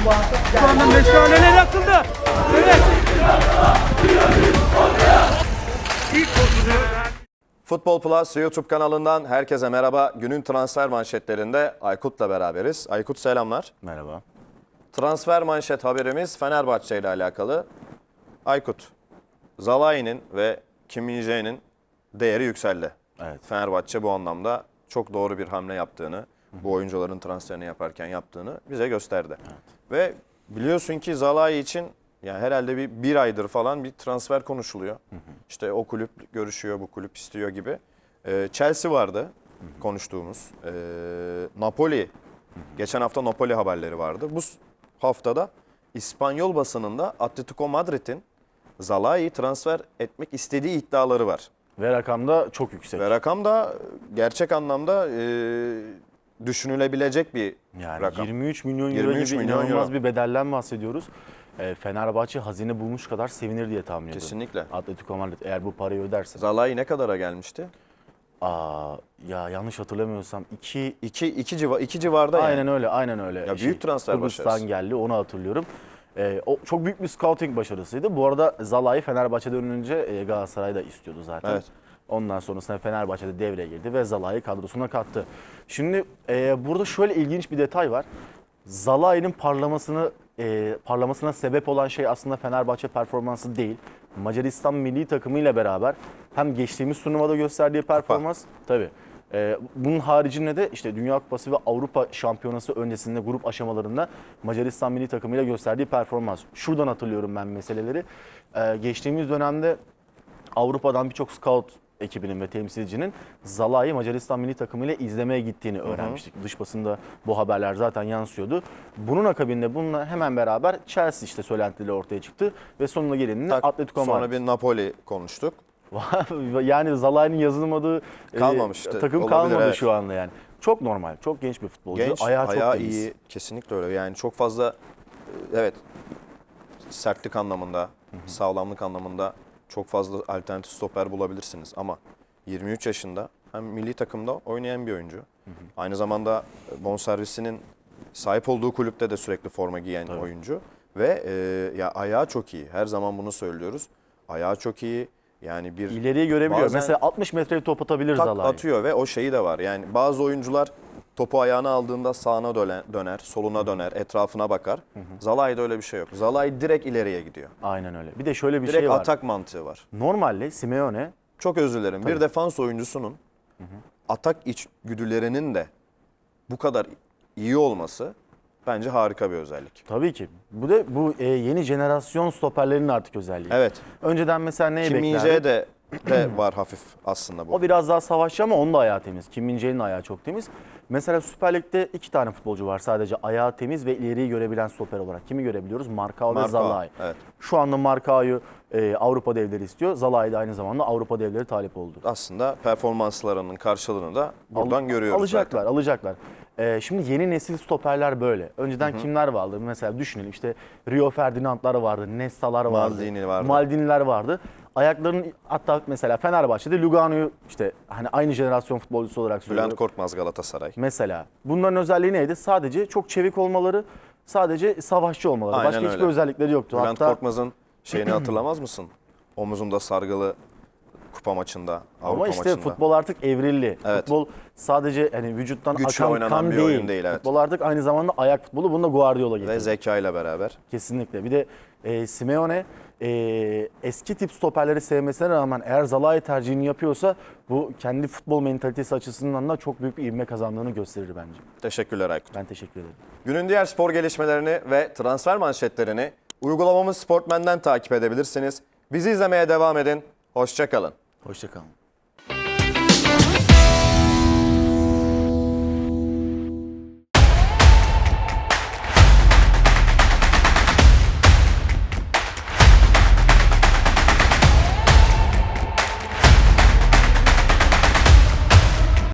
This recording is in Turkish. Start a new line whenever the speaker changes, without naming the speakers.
Şu anda meşaleler yakıldı. Evet.
Futbol Plus YouTube kanalından herkese merhaba. Günün transfer manşetlerinde Aykut'la beraberiz. Aykut selamlar.
Merhaba.
Transfer manşet haberimiz Fenerbahçe ile alakalı. Aykut, Zalai'nin ve Kim Min-jae'nin değeri yükseldi.
Evet.
Fenerbahçe bu anlamda çok doğru bir hamle yaptığını, bu oyuncuların transferini yaparken yaptığını bize gösterdi.
Evet.
Ve biliyorsun ki Zalai için yani herhalde bir aydır falan bir transfer konuşuluyor. İşte o kulüp görüşüyor, bu kulüp istiyor gibi. Chelsea vardı konuştuğumuz. Napoli, geçen hafta Napoli haberleri vardı. Bu haftada İspanyol basınında Atletico Madrid'in Zalai'yi transfer etmek istediği iddiaları var.
Ve rakam da çok yüksek.
Ve rakam da gerçek anlamda düşünülebilecek bir
Yani
rakam.
23 milyon euro
23
gibi
milyon
inanılmaz
euro.
bir bedelden bahsediyoruz. Fenerbahçe hazine bulmuş kadar sevinir diye tahmin ediyorum.
Kesinlikle.
Atletico Madrid eğer bu parayı öderse.
Zalai ne kadara gelmişti?
Ya yanlış hatırlamıyorsam 2
2 civarda yani.
aynen öyle.
Ya büyük transfer
Kıbrıs'tan
başarısı.
geldi, onu hatırlıyorum. O çok büyük bir scouting başarısıydı. Bu arada Zalai Fenerbahçe'den önce Galatasaray'da istiyordu zaten.
Evet.
Ondan sonrasında Fenerbahçe'de devreye girdi ve Zalai'yi kadrosuna kattı. Şimdi burada şöyle ilginç bir detay var. Zalai'nin parlamasına sebep olan şey aslında Fenerbahçe performansı değil. Macaristan milli takımıyla beraber hem geçtiğimiz turnuvada gösterdiği performans, tabii. Bunun haricinde de işte Dünya Kupası ve Avrupa Şampiyonası öncesinde grup aşamalarında Macaristan milli takımıyla gösterdiği performans. Şuradan hatırlıyorum ben meseleleri. Geçtiğimiz dönemde Avrupa'dan birçok scout ekibinin ve temsilcinin Zalai'yi Macaristan milli takımıyla izlemeye gittiğini öğrenmiştik. Dış basında bu haberler zaten yansıyordu. Bunun akabinde bununla hemen beraber Chelsea işte söylentileri ortaya çıktı ve sonuna gelininde Atletico Madrid.
Sonra bir Napoli konuştuk.
Yani Zalai'nin yazılmadığı
Kalmamıştı.
takım
Olabilir,
kalmadı
evet.
şu anda yani. Çok normal, çok genç bir futbolcu.
Genç,
ayağı
ayağı
çok temiz.
iyi. Kesinlikle öyle. Yani çok fazla evet sertlik anlamında, sağlamlık anlamında çok fazla alternatif stoper bulabilirsiniz ama 23 yaşında hem milli takımda oynayan bir oyuncu. Aynı zamanda bonservisinin sahip olduğu kulüpte de sürekli forma giyen oyuncu ve ya ayağı çok iyi. Her zaman bunu söylüyoruz. Ayağı çok iyi. Yani bir
İleriyi görebiliyor.
bazen
Mesela 60 metreye top atabilir
tak
Zalai.
atıyor ve o şeyi de var. Yani bazı oyuncular topu ayağına aldığında sağına döner, soluna döner, etrafına bakar. Zalai'de öyle bir şey yok. Zalai direkt ileriye gidiyor.
Aynen öyle. Bir de şöyle bir
Direkt
şey var.
atak mantığı var.
Normalde Simeone
Çok özür dilerim. Bir defans oyuncusunun atak içgüdülerinin de bu kadar iyi olması bence harika bir özellik.
tabii ki. Bu yeni jenerasyon stoperlerin artık özelliği.
Evet.
Önceden mesela neyi
Kim
beklerdik?
Min-jae de var hafif aslında bu.
O biraz daha savaşçı ama onun da ayağı temiz. Kim Min-jae'nin ayağı çok temiz. Mesela Süper Lig'de 2 tane futbolcu var sadece ayağı temiz ve ileriyi görebilen stoper olarak. Kimi görebiliyoruz? Marcao ve
Marcao,
Zalai.
evet.
Şu anda Marcao'yu Avrupa devleri istiyor. Zalai de aynı zamanda Avrupa devleri talip oldu.
Aslında performanslarının karşılığını da buradan görüyoruz
Alacaklar,
zaten.
alacaklar. Şimdi yeni nesil stoperler böyle. Önceden kimler vardı? Mesela düşünelim işte Rio Ferdinandlar vardı, Nesta'lar vardı,
Maldini vardı.
Maldini'ler vardı. Ayaklarının hatta mesela Fenerbahçe'de Lugano'yu işte hani aynı jenerasyon futbolcusu olarak söylüyorum.
Bülent Korkmaz Galatasaray.
Mesela bunların özelliği neydi? Sadece çok çevik olmaları, sadece savaşçı olmaları.
Aynen
Başka hiçbir
öyle.
özellikleri yoktu.
Bülent
Hatta
Korkmaz'ın şeyini hatırlamaz mısın? Omuzunda sargılı kupa maçında, Avrupa
ama işte
maçında.
futbol artık evrildi.
Evet.
Futbol sadece hani vücuttan
Güçle
akan
oynanan
kan
bir
değil.
oyun değil, evet.
Futbol artık aynı zamanda ayak futbolu. Bunu da Guardiola getirdi.
Ve zeka ile beraber.
Kesinlikle. Bir de Simeone eski tip stoperleri sevmesine rağmen eğer Zalai tercihini yapıyorsa bu kendi futbol mentalitesi açısından da çok büyük bir ivme kazandığını gösterir bence.
Teşekkürler Aykut.
Ben teşekkür ederim.
Günün diğer spor gelişmelerini ve transfer manşetlerini uygulamamız Sportmen'den takip edebilirsiniz. Bizi izlemeye devam edin. Hoşça kalın.
Hoşça kalın.